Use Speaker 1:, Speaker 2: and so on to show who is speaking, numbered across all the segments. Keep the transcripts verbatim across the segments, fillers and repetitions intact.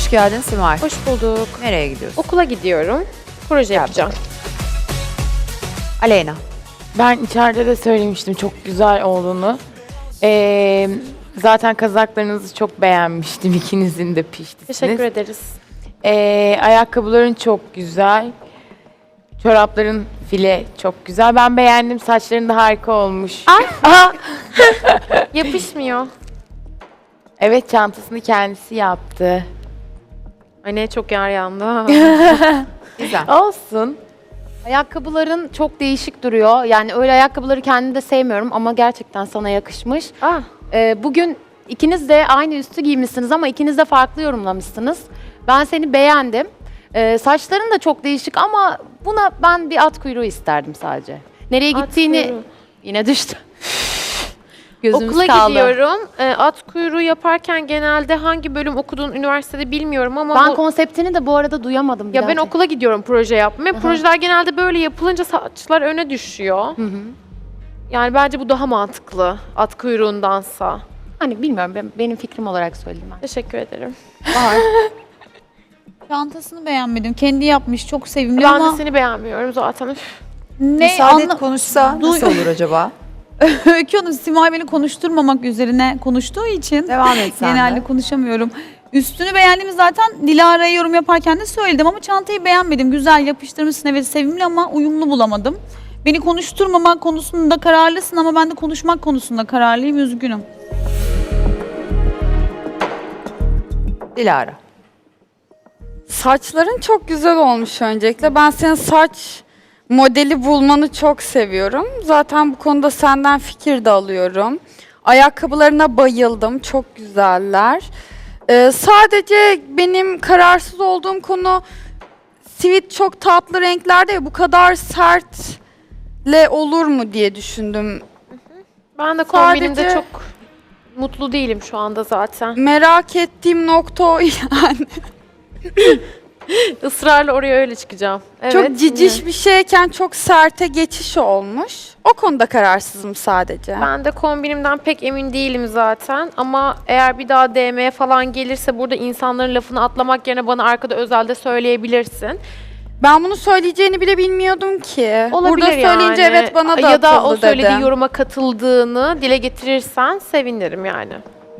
Speaker 1: Hoş geldin Simay.
Speaker 2: Hoş bulduk.
Speaker 1: Nereye gidiyorsun?
Speaker 2: Okula gidiyorum. Proje yapacağım.
Speaker 1: Aleyna.
Speaker 3: Ben içeride de söylemiştim çok güzel olduğunu. Ee, zaten kazaklarınızı çok beğenmiştim. İkinizin de piştisiniz.
Speaker 2: Teşekkür ederiz.
Speaker 3: Ee, ayakkabıların çok güzel. Çorapların file çok güzel. Ben beğendim. Saçların da harika olmuş.
Speaker 2: Aha. Yapışmıyor.
Speaker 3: Evet, çantasını kendisi yaptı.
Speaker 2: Ay ne çok yer yandı.
Speaker 1: Güzel.
Speaker 3: Olsun.
Speaker 4: Ayakkabıların çok değişik duruyor. Yani öyle ayakkabıları kendim de sevmiyorum ama gerçekten sana yakışmış.
Speaker 2: ah,
Speaker 4: Ee, bugün ikiniz de aynı üstü giymişsiniz ama ikiniz de farklı yorumlamışsınız. Ben seni beğendim. Ee, saçların da çok değişik ama buna ben bir at kuyruğu isterdim sadece. Nereye
Speaker 2: At
Speaker 4: gittiğini
Speaker 2: kuyruğu.
Speaker 4: yine düştü. Gözümüz
Speaker 2: okula
Speaker 4: kaldı.
Speaker 2: gidiyorum. Ee, at kuyruğu yaparken genelde hangi bölüm okuduğun üniversitede bilmiyorum ama
Speaker 4: Ben
Speaker 2: bu-
Speaker 4: konseptini de bu arada duyamadım. bir
Speaker 2: ya
Speaker 4: daha
Speaker 2: ben
Speaker 4: çek-
Speaker 2: okula gidiyorum proje yapmaya.
Speaker 4: Aha.
Speaker 2: Projeler genelde böyle yapılınca saçlar öne düşüyor.
Speaker 4: Hı hı.
Speaker 2: Yani bence bu daha mantıklı at kuyruğundansa.
Speaker 4: Hani bilmiyorum, ben- benim fikrim olarak söyledim ben.
Speaker 2: Teşekkür ederim.
Speaker 5: Çantasını beğenmedim. Kendi yapmış. Çok sevimli
Speaker 2: Ben
Speaker 5: ama
Speaker 2: de seni beğenmiyorum zaten. Üf.
Speaker 5: ne
Speaker 1: Müsaade et
Speaker 5: anla...
Speaker 1: konuşsa
Speaker 5: Duy-
Speaker 1: nasıl olur acaba?
Speaker 5: Öykü Hanım, Simay beni konuşturmamak üzerine konuştuğu için
Speaker 1: Devam et sen
Speaker 5: genelde
Speaker 1: de.
Speaker 5: konuşamıyorum. Üstünü beğendiğimi zaten Dilara'ya yorum yaparken de söyledim ama çantayı beğenmedim. Güzel yapıştırmışsın, evet sevimli ama uyumlu bulamadım. Beni konuşturmamak konusunda kararlısın ama ben de konuşmak konusunda kararlıyım, üzgünüm.
Speaker 1: Dilara.
Speaker 6: Saçların çok güzel olmuş öncelikle. Ben senin saç modeli bulmanı çok seviyorum. Zaten bu konuda senden fikir de alıyorum. Ayakkabılarına bayıldım. Çok güzeller. Ee, sadece benim kararsız olduğum konu sivit çok tatlı renklerde ya, bu kadar sertle olur mu diye düşündüm.
Speaker 2: Ben de kombinimde
Speaker 6: Sadece-
Speaker 2: çok mutlu değilim şu anda zaten.
Speaker 6: Merak ettiğim nokta o yani.
Speaker 2: Israrla oraya öyle çıkacağım. Evet,
Speaker 6: Çok ciciş
Speaker 2: yine.
Speaker 6: bir şeyken çok serte geçiş olmuş. O konuda kararsızım sadece.
Speaker 2: Ben de kombinimden pek emin değilim zaten ama eğer bir daha D M'ye falan gelirse burada insanların lafını atlamak yerine bana arkada özelde söyleyebilirsin.
Speaker 6: Ben bunu söyleyeceğini bile bilmiyordum ki.
Speaker 2: Olabilir
Speaker 6: Burada söyleyince
Speaker 2: yani.
Speaker 6: evet bana da
Speaker 2: ya da o
Speaker 6: atıldı
Speaker 2: söylediği
Speaker 6: dedim.
Speaker 2: yoruma katıldığını dile getirirsen sevinirim yani.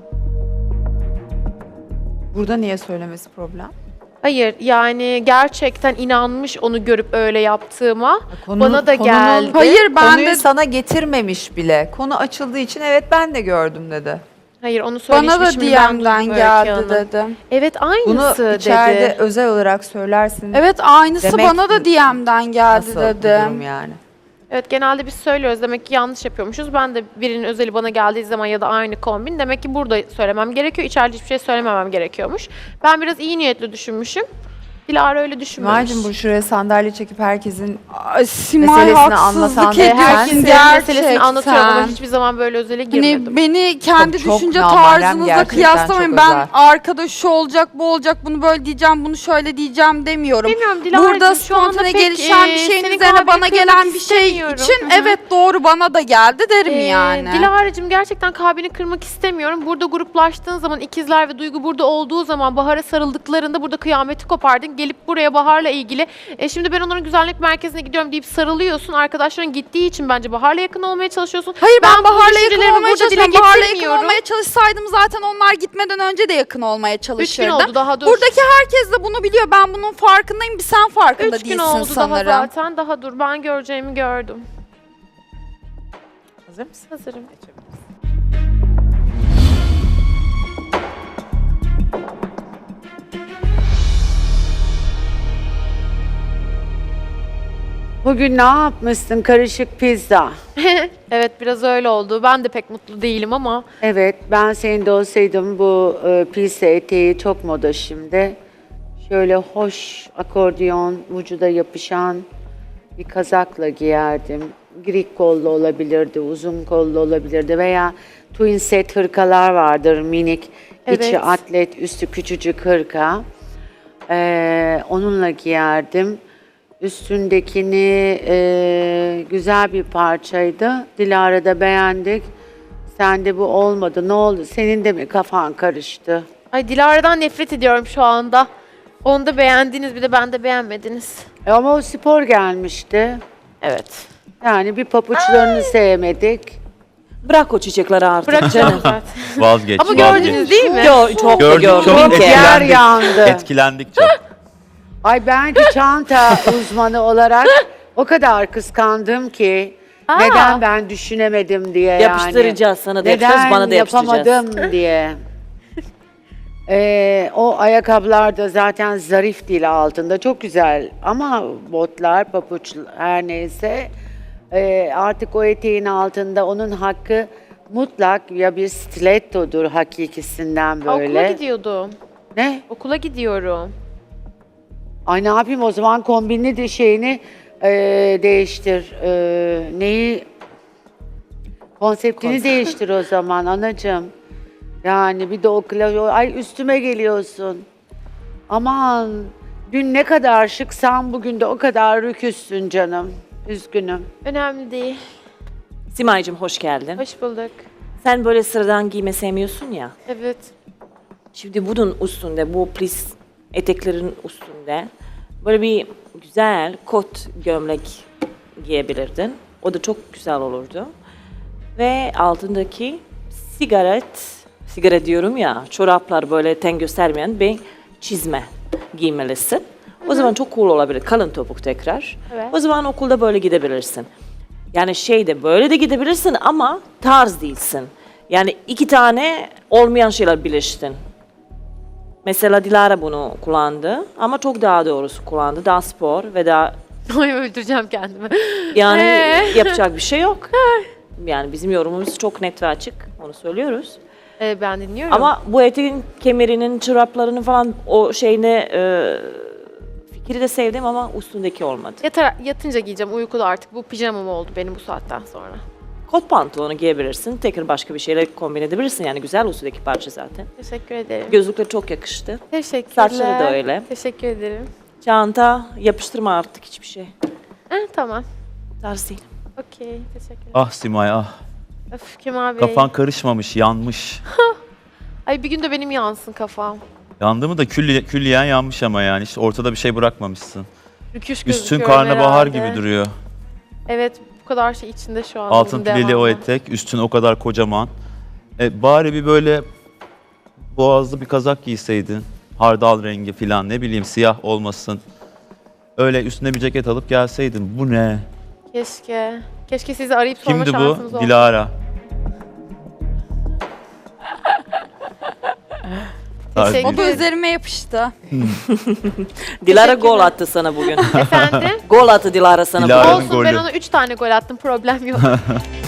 Speaker 1: Burada niye söylemesi problem?
Speaker 2: Hayır yani gerçekten inanmış onu görüp öyle yaptığıma.
Speaker 1: Konunun-
Speaker 2: Bana da
Speaker 1: konunun-
Speaker 2: geldi.
Speaker 6: Hayır, ben
Speaker 1: Konuyu
Speaker 6: de-
Speaker 1: sana getirmemiş bile. Konu açıldığı için evet ben de gördüm dedi.
Speaker 2: Hayır onu
Speaker 6: Bana da
Speaker 2: söylemişim ben
Speaker 6: D M'den
Speaker 2: duydum Öykü
Speaker 6: geldi
Speaker 2: Hanım.
Speaker 6: dedim.
Speaker 2: Evet
Speaker 1: Bunu
Speaker 2: aynısı
Speaker 1: içeride
Speaker 2: dedi.
Speaker 1: özel olarak söylersin.
Speaker 6: Evet, aynısı
Speaker 1: Demek
Speaker 6: bana da D M'den geldi
Speaker 1: Nasıl bir durum
Speaker 6: dedim.
Speaker 1: yani?
Speaker 2: Evet genelde biz söylüyoruz demek ki yanlış yapıyormuşuz. Ben de birinin özeli bana geldiği zaman ya da aynı kombin demek ki burada söylemem gerekiyor. İçeride hiçbir şey söylememem gerekiyormuş. Ben biraz iyi niyetli düşünmüşüm. Dilara öyle düşünmemiş.
Speaker 1: Simay'cığım bu şuraya sandalye çekip herkesin
Speaker 6: Ay, Simay
Speaker 1: Meselesini
Speaker 6: haksızlık
Speaker 1: anlatan
Speaker 6: ediyorsun
Speaker 1: lütfen.
Speaker 2: Herkesin
Speaker 6: gerçekten.
Speaker 2: meselesini anlatıyorum ama hiçbir zaman böyle özele girmedim.
Speaker 6: Hani beni kendi
Speaker 1: Çok- çok
Speaker 6: düşünce
Speaker 1: namarem,
Speaker 6: tarzınızla
Speaker 1: gerçekten
Speaker 6: kıyaslamayın.
Speaker 1: çok
Speaker 6: Ben
Speaker 1: özel.
Speaker 6: arkada şu olacak, bu olacak, bunu böyle diyeceğim, bunu şöyle diyeceğim demiyorum.
Speaker 2: Bilmiyorum Dilara'cığım
Speaker 6: Burada
Speaker 2: şu anda
Speaker 6: spontane
Speaker 2: pek,
Speaker 6: gelişen
Speaker 2: e,
Speaker 6: bir şeyin
Speaker 2: senin
Speaker 6: üzerine
Speaker 2: kalbini
Speaker 6: bana
Speaker 2: kırmak
Speaker 6: gelen bir şey
Speaker 2: istemiyorum.
Speaker 6: için
Speaker 2: Hı hı.
Speaker 6: evet doğru bana da geldi derim
Speaker 2: Ee,
Speaker 6: yani.
Speaker 2: Dilara'cığım gerçekten kalbini kırmak istemiyorum. Burada gruplaştığın zaman ikizler ve Duygu burada olduğu zaman Bahar'a sarıldıklarında burada kıyameti kopardın. Gelip buraya Bahar'la ilgili e şimdi ben onların güzellik merkezine gidiyorum deyip sarılıyorsun. Arkadaşların gittiği için bence Bahar'la yakın olmaya çalışıyorsun.
Speaker 6: Hayır ben,
Speaker 2: bu
Speaker 6: Bahar'la yakın
Speaker 2: düşüncelerimi
Speaker 6: olmaya
Speaker 2: burada dile
Speaker 6: çalışıyorum. Bahar'la yakın
Speaker 2: getirmiyorum.
Speaker 6: olmaya çalışsaydım zaten onlar gitmeden önce de yakın olmaya
Speaker 2: Üç gün
Speaker 6: çalışırdım.
Speaker 2: oldu daha dur.
Speaker 6: Buradaki herkes de bunu biliyor. Ben bunun farkındayım. Bir sen farkında
Speaker 2: Üç gün
Speaker 6: değilsin
Speaker 2: oldu
Speaker 6: sanırım.
Speaker 2: daha zaten. Daha dur ben göreceğimi gördüm.
Speaker 1: hazır mısın?
Speaker 2: Hazırım.
Speaker 7: Bugün ne yapmışsın? Karışık pizza.
Speaker 2: Evet biraz öyle oldu. Ben de pek mutlu değilim ama
Speaker 7: Evet, ben senin de olsaydım bu e, pizza eteği çok moda şimdi. Şöyle hoş akordeon, vücuda yapışan bir kazakla giyerdim. Grik kollu olabilirdi, uzun kollu olabilirdi veya twin set hırkalar vardır minik. İçi
Speaker 2: Evet.
Speaker 7: atlet, üstü küçücük hırka. Ee, onunla giyerdim. Üstündekini e, güzel bir parçaydı. Dilara'da beğendik. Sende bu olmadı. Ne oldu? Senin de mi kafan karıştı?
Speaker 2: Ay Dilara'dan nefret ediyorum şu anda. Onu da beğendiniz, bir de ben de beğenmediniz.
Speaker 7: E ama o spor gelmişti.
Speaker 2: Evet.
Speaker 7: Yani bir papuçlarını sevmedik.
Speaker 8: Bırak o çiçekleri artık
Speaker 2: Bırakacağım
Speaker 8: canım.
Speaker 2: zaten.
Speaker 9: Vazgeç.
Speaker 2: Ama
Speaker 9: vazgeç.
Speaker 2: gördünüz değil mi?
Speaker 8: Yo, çok da
Speaker 9: Gördük,
Speaker 8: gördüm.
Speaker 9: çok
Speaker 7: Bir yer
Speaker 9: etkilendik.
Speaker 7: yandı.
Speaker 9: Etkilendik çok.
Speaker 7: Ay ben ki çanta uzmanı olarak o kadar kıskandım ki
Speaker 2: Aa.
Speaker 7: neden ben düşünemedim diye yani.
Speaker 8: Yapıştıracağız sana da yapacağız,
Speaker 7: Neden
Speaker 8: bana da yapıştıracağız.
Speaker 7: yapamadım diye. Ee, o ayakkabılar da zaten zarif değil altında. Çok güzel ama botlar, papuç her neyse ee, artık o eteğin altında onun hakkı mutlak ya bir stilettodur hakikisinden
Speaker 2: Okula
Speaker 7: böyle.
Speaker 2: gidiyordum.
Speaker 7: Ne?
Speaker 2: Okula gidiyorum.
Speaker 7: Ay ne yapayım o zaman kombinli de şeyini ee, değiştir. Ee, neyi? Konseptini değiştir o zaman anacığım. Yani bir de o kla- ay üstüme geliyorsun. Aman dün ne kadar şıksan bugün de o kadar rüküssün canım. Üzgünüm.
Speaker 2: Önemli değil.
Speaker 8: Simay'cığım hoş geldin.
Speaker 2: Hoş bulduk.
Speaker 8: Sen böyle sıradan giyme sevmiyorsun ya.
Speaker 2: Evet.
Speaker 8: Şimdi bunun üstünde, bu plis eteklerin üstünde böyle bir güzel kot gömlek giyebilirdin. O da çok güzel olurdu. Ve altındaki sigaret, sigara diyorum ya, çoraplar böyle ten göstermeyen bir çizme giymelisin. O zaman çok cool olabilir. Kalın topuk tekrar.
Speaker 2: Evet.
Speaker 8: O zaman okulda böyle gidebilirsin. Yani şeyde böyle de gidebilirsin ama tarz değilsin. Yani iki tane olmayan şeyler birleştin. Mesela Dilara bunu kullandı ama çok daha doğrusu kullandı. Daha spor ve daha
Speaker 2: Ay öldüreceğim kendimi.
Speaker 8: yani
Speaker 2: Ee?
Speaker 8: yapacak bir şey yok. Yani bizim yorumumuz çok net ve açık. Onu söylüyoruz.
Speaker 2: Ee, ben dinliyorum.
Speaker 8: Ama bu eteğin kemerinin, çoraplarının falan o şeyine e, fikri de sevdim ama üstündeki olmadı.
Speaker 2: Yatar, yatınca giyeceğim. Uykuda artık. Bu pijamam oldu benim bu saatten sonra.
Speaker 8: Kot pantolonu giyebilirsin. Tekrar başka bir şeyle kombin edebilirsin. Yani güzel üstündeki parça zaten.
Speaker 2: Teşekkür ederim.
Speaker 8: Gözlükler çok yakıştı.
Speaker 2: Teşekkürler.
Speaker 8: Saçları da öyle.
Speaker 2: Teşekkür ederim.
Speaker 8: Çanta yapıştırma artık hiçbir şey.
Speaker 2: Eh, tamam.
Speaker 8: Tarz değil.
Speaker 2: Okey. Teşekkürler.
Speaker 9: Ah Simay ah.
Speaker 2: Öf Kemal Bey.
Speaker 9: Kafan karışmamış, yanmış.
Speaker 2: Ay bir gün de benim yansın kafam.
Speaker 9: Yandı mı da külli, külliyen yanmış ama yani. İşte ortada bir şey bırakmamışsın.
Speaker 2: Rüküş
Speaker 9: Üstün
Speaker 2: gözüküyorum
Speaker 9: karnabahar
Speaker 2: herhalde.
Speaker 9: gibi duruyor.
Speaker 2: Evet bu kadar şey içinde şu an.
Speaker 9: Altın
Speaker 2: bunun
Speaker 9: pileli o
Speaker 2: devamı.
Speaker 9: etek, üstün o kadar kocaman. E, bari bir böyle boğazlı bir kazak giyseydin. Hardal rengi falan ne bileyim siyah olmasın. Öyle üstüne bir ceket alıp gelseydin. Bu ne?
Speaker 2: Keşke. Keşke sizi arayıp sorma
Speaker 9: Kimdi
Speaker 2: şansınız
Speaker 9: bu?
Speaker 2: olsa.
Speaker 9: Dilara.
Speaker 2: Teşekkür
Speaker 6: O da
Speaker 2: ederim.
Speaker 6: üzerime yapıştı.
Speaker 8: Dilara
Speaker 2: Teşekkürler.
Speaker 8: gol attı sana bugün.
Speaker 2: Efendim?
Speaker 8: Gol attı Dilara sana
Speaker 9: Dilara.
Speaker 8: bugün.
Speaker 9: Yarın
Speaker 2: Olsun ben
Speaker 9: golü.
Speaker 2: ona üç tane gol attım problem yok.